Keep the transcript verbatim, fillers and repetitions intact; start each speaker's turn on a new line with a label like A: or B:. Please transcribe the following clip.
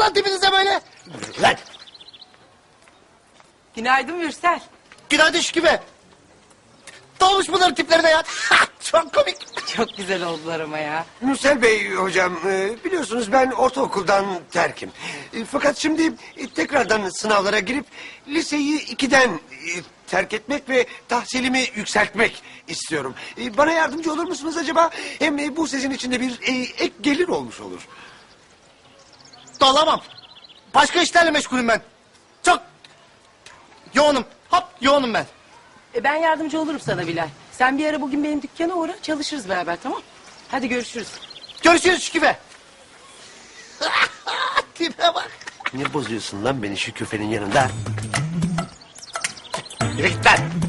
A: lan tipinize böyle? Lan.
B: Günaydın Mürsel.
A: Günaydın Şükrü Bey. Doğmuş bunların tiplerine ya. Çok komik.
B: Çok güzel oldular ama ya.
C: Mürsel Bey hocam, e, biliyorsunuz ben ortaokuldan terkim. E, Fakat şimdi e, tekrardan sınavlara girip liseyi ikiden e, terk etmek ve tahsilimi yükseltmek istiyorum. E, Bana yardımcı olur musunuz acaba? Hem e, bu sizin için de bir e, ek gelir olmuş olur.
A: Dolamam. Başka işlerle meşgulüm ben. Çok yoğunum. Hop yoğunum ben.
B: E ben yardımcı olurum sana Bilal. Sen bir ara bugün benim dükkana uğra, çalışırız beraber, tamam? Hadi görüşürüz.
A: Görüşürüz Şükrü Bey. Tipe bak.
C: Ne bozuyorsun lan beni şu küfenin yanında?
A: Yürü git lan.